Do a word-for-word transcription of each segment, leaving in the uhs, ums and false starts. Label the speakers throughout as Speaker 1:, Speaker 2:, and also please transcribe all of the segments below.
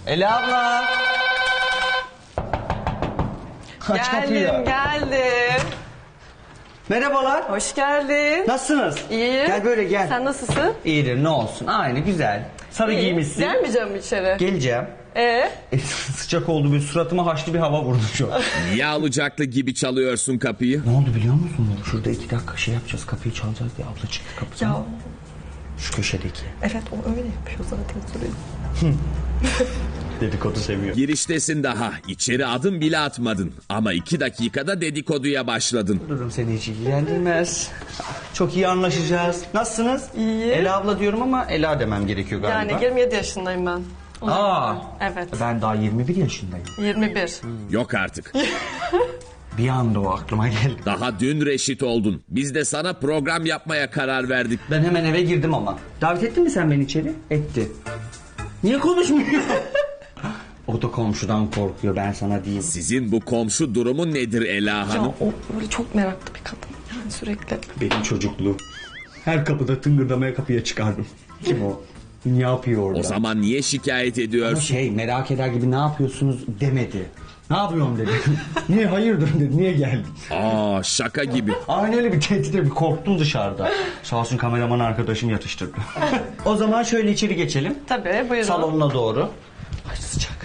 Speaker 1: Ela abla. Aç kapıyı.
Speaker 2: Geldim, geldim.
Speaker 1: Merhabalar.
Speaker 2: Hoş geldin.
Speaker 1: Nasılsınız?
Speaker 2: İyiyim.
Speaker 1: Gel böyle gel.
Speaker 2: Sen nasılsın?
Speaker 1: İyidir, ne olsun. Aynı, güzel. Sarı
Speaker 2: İyi.
Speaker 1: giymişsin.
Speaker 2: Gelmeyeceğim mi içeri?
Speaker 1: Geleceğim.
Speaker 2: Ee?
Speaker 1: E, sıcak oldu, bir suratıma haşlı bir hava vurdu şu an.
Speaker 3: Niye alacaklı gibi çalıyorsun kapıyı?
Speaker 1: Ne oldu biliyor musun? Şurada iki dakika şey yapacağız, kapıyı çalacağız diye abla çıktı kapıdan.
Speaker 2: Ya
Speaker 1: Şu köşedeki.
Speaker 2: evet, o öyle yapıyor zaten sürekli.
Speaker 1: Dedikodu seviyor.
Speaker 3: Giriştesin daha. İçeri adım bile atmadın. Ama iki dakikada dedikoduya başladın.
Speaker 1: Durum seni hiç ilgilendirmez. Çok iyi anlaşacağız. Nasılsınız?
Speaker 2: İyi.
Speaker 1: Ela abla diyorum ama Ela demem gerekiyor galiba.
Speaker 2: Yani yirmi yedi yaşındayım ben. O
Speaker 1: Aa.
Speaker 2: zaman. Evet.
Speaker 1: Ben daha yirmi bir yaşındayım.
Speaker 2: yirmi bir.
Speaker 3: Yok artık.
Speaker 1: Bir anda o aklıma geldi.
Speaker 3: Daha dün reşit oldun. Biz de sana program yapmaya karar verdik.
Speaker 1: Ben hemen eve girdim ama. Davet ettin mi sen beni içeri? Etti. Niye konuşmuyor? O da komşudan korkuyor, ben sana diyeyim.
Speaker 3: Sizin bu komşu durumu nedir Ela
Speaker 2: Ya
Speaker 3: Hanım?
Speaker 2: o böyle çok meraklı bir kadın. Yani sürekli.
Speaker 1: Benim çocukluğum. Her kapıda tıngırdamaya kapıya çıkardım. Kim o? Ne yapıyor orada?
Speaker 3: O zaman niye şikayet
Speaker 1: Ama
Speaker 3: ediyorsun?
Speaker 1: şey, merak eder gibi ne yapıyorsunuz demedi. Ne yapıyorum dedi. Niye hayırdır dedi. Niye geldin?
Speaker 3: Aa, şaka gibi.
Speaker 1: Aynı öyle bir tehditle bir korktum dışarıda. Sağ olsun kameraman arkadaşım yatıştırdı. O zaman şöyle içeri geçelim.
Speaker 2: Tabii, buyurun.
Speaker 1: Salonuna doğru. Ay sıcak.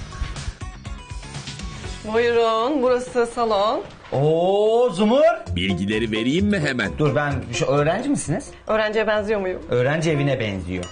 Speaker 2: Buyurun, burası salon.
Speaker 1: Oo Zumur.
Speaker 3: Bilgileri vereyim mi hemen?
Speaker 1: Dur ben şu öğrenci misiniz?
Speaker 2: Öğrenciye benziyor muyum?
Speaker 1: Öğrenci evine benziyor.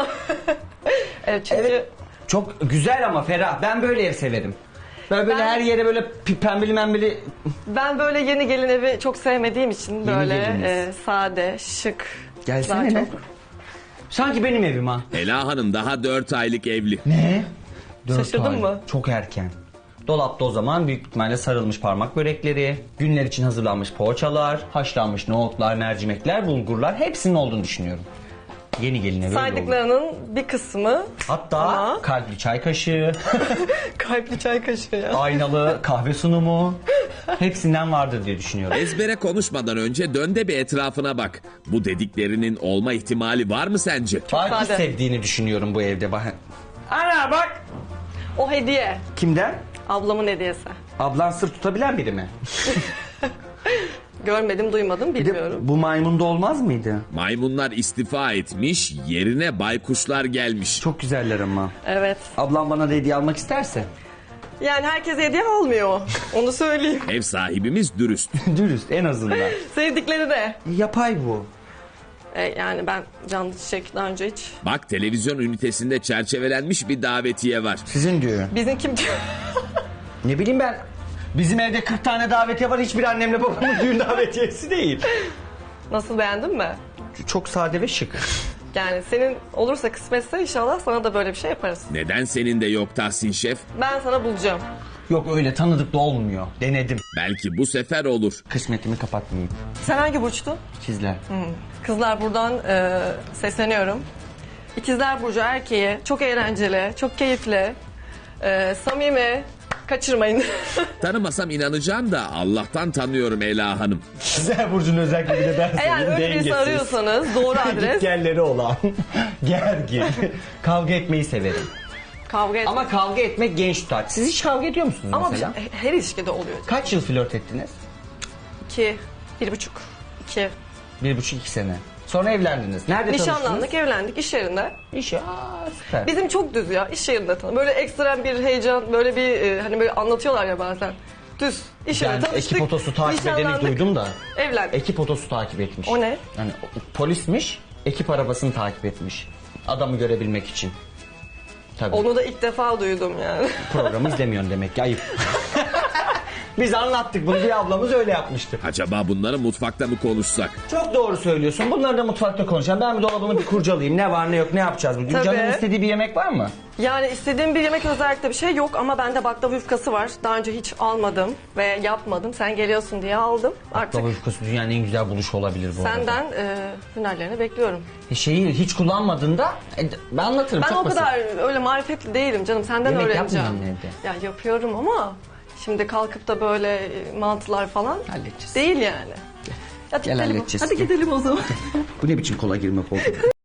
Speaker 2: Evet, çünkü...
Speaker 1: Evet. Çok güzel ama ferah. Ben böyle ev severim. Böyle, böyle
Speaker 2: Ben-
Speaker 1: her yere böyle pi- pembeli membeli.
Speaker 2: Ben böyle yeni gelin evi çok sevmediğim için böyle
Speaker 1: geliniz.
Speaker 2: e, sade, şık.
Speaker 1: Gelsene
Speaker 2: daha
Speaker 1: ne?
Speaker 2: çok.
Speaker 1: Sanki benim evim ha.
Speaker 3: Ela Hanım daha dört aylık evli.
Speaker 1: Ne? Dört
Speaker 2: Şaşırdın
Speaker 1: ay.
Speaker 2: mı?
Speaker 1: Çok erken. Dolapta o zaman büyük ihtimalle sarılmış parmak börekleri, günler için hazırlanmış poğaçalar, haşlanmış nohutlar, mercimekler, bulgurlar hepsinin olduğunu düşünüyorum. Yeni geline böyle olur.
Speaker 2: Saydıklarının bir kısmı
Speaker 1: Hatta
Speaker 2: ama
Speaker 1: kalpli çay kaşığı,
Speaker 2: kalpli çay kaşığı ya.
Speaker 1: aynalı kahve sunumu hepsinden vardır diye düşünüyorum.
Speaker 3: Ezbere konuşmadan önce dön de bir etrafına bak. Bu dediklerinin olma ihtimali var mı sence?
Speaker 1: Belki
Speaker 2: sade.
Speaker 1: sevdiğini düşünüyorum bu evde. Bak. Ana bak.
Speaker 2: O hediye.
Speaker 1: Kimden?
Speaker 2: Ablamın hediyesi.
Speaker 1: Ablan sır tutabilen biri mi?
Speaker 2: Görmedim, duymadım,
Speaker 1: Bir de
Speaker 2: bilmiyorum.
Speaker 1: bu maymunda olmaz mıydı?
Speaker 3: Maymunlar istifa etmiş, yerine baykuşlar gelmiş.
Speaker 1: Çok güzeller ama.
Speaker 2: Evet.
Speaker 1: Ablam bana da hediye almak isterse.
Speaker 2: Yani herkes hediye almıyor. Onu söyleyeyim.
Speaker 3: Ev sahibimiz dürüst.
Speaker 1: Dürüst en azından.
Speaker 2: Sevdikleri de.
Speaker 1: Yapay bu.
Speaker 2: E, yani ben canlı çiçek daha önce hiç.
Speaker 3: Bak televizyon ünitesinde çerçevelenmiş bir davetiye var.
Speaker 1: Sizin diyor.
Speaker 2: Bizim kim...
Speaker 1: Ne bileyim ben. Bizim evde kırk tane davetiye var. Hiçbir annemle babamın düğün davetiyesi değil.
Speaker 2: Nasıl, beğendin mi?
Speaker 1: Çok sade ve şık.
Speaker 2: Yani senin olursa kısmetse inşallah sana da böyle bir şey yaparız.
Speaker 3: Neden senin de yok Tahsin Şef?
Speaker 2: Ben sana bulacağım.
Speaker 1: Yok öyle tanıdık da olmuyor. Denedim.
Speaker 3: Belki bu sefer olur.
Speaker 1: Kısmetimi kapatmayayım.
Speaker 2: Sen hangi burçtun?
Speaker 1: İkizler.
Speaker 2: Kızlar, buradan e, sesleniyorum. İkizler Burcu erkeği çok eğlenceli, çok keyifli, e, samimi, kaçırmayın.
Speaker 3: Tanımasam inanacağım da Allah'tan tanıyorum Ela Hanım.
Speaker 1: İkizler Burcu'nun özelliği de ben
Speaker 2: Eğer öyle birisi arıyorsanız doğru adres.
Speaker 1: Gitgelleri olan. Gergin. Kavga etmeyi severim.
Speaker 2: Kavga et. Ama,
Speaker 1: Ama kavga etmek genç tutar. Siz hiç kavga ediyor musunuz
Speaker 2: Ama
Speaker 1: mesela?
Speaker 2: bir- her ilişkide oluyor.
Speaker 1: Kaç yıl flört ettiniz?
Speaker 2: İki, bir buçuk, iki.
Speaker 1: Bir buçuk iki sene. Sonra evlendiniz. Nerede
Speaker 2: Nişanlandık, evlendik iş yerinde.
Speaker 1: İş ya süper.
Speaker 2: Bizim çok düz ya, iş yerinde tanı. Böyle ekstrem bir heyecan, böyle bir e, hani böyle anlatıyorlar ya bazen. Düz. İş yerinde
Speaker 1: Ben
Speaker 2: tanıştık.
Speaker 1: ekip otosu takip edeni
Speaker 2: nişanlandık,
Speaker 1: duydum da.
Speaker 2: Evlendik.
Speaker 1: Ekip otosu takip etmiş.
Speaker 2: O ne?
Speaker 1: Yani o- polismiş, ekip arabasını takip etmiş. Adamı görebilmek için. Tabii.
Speaker 2: Onu da ilk defa duydum yani.
Speaker 1: Programı izlemiyorsun demek ki, ayıp. Biz anlattık bunu, bir ablamız öyle yapmıştı.
Speaker 3: Acaba bunları mutfakta mı konuşsak?
Speaker 1: Çok doğru söylüyorsun. Bunları da mutfakta konuşalım. Ben bir dolabımı bir kurcalayayım. Ne var ne yok, ne yapacağız bugün?
Speaker 2: Tabii.
Speaker 1: Canın istediği bir yemek var mı?
Speaker 2: Yani istediğim bir yemek özellikle bir şey yok ama bende baklava yufkası var. Daha önce hiç almadım ve yapmadım. Sen geliyorsun diye aldım. Artık
Speaker 1: Baklava yufkası dünyanın en güzel buluşu olabilir bu arada.
Speaker 2: senden e, hünerlerini bekliyorum.
Speaker 1: E, Şeyi hiç kullanmadığında e, ben anlatırım.
Speaker 2: Ben
Speaker 1: çok
Speaker 2: o
Speaker 1: basit.
Speaker 2: kadar öyle marifetli değilim canım. Senden
Speaker 1: Yemek
Speaker 2: öğreneceğim.
Speaker 1: yapmıyor musun evde?
Speaker 2: Ya yapıyorum ama şimdi kalkıp da böyle e, mantılar falan
Speaker 1: Halledeceğiz.
Speaker 2: değil yani. Hadi
Speaker 1: Gel
Speaker 2: gidelim.
Speaker 1: halledeceğiz.
Speaker 2: Hadi gidelim o zaman.
Speaker 1: Bu ne biçim kola girmek oldu?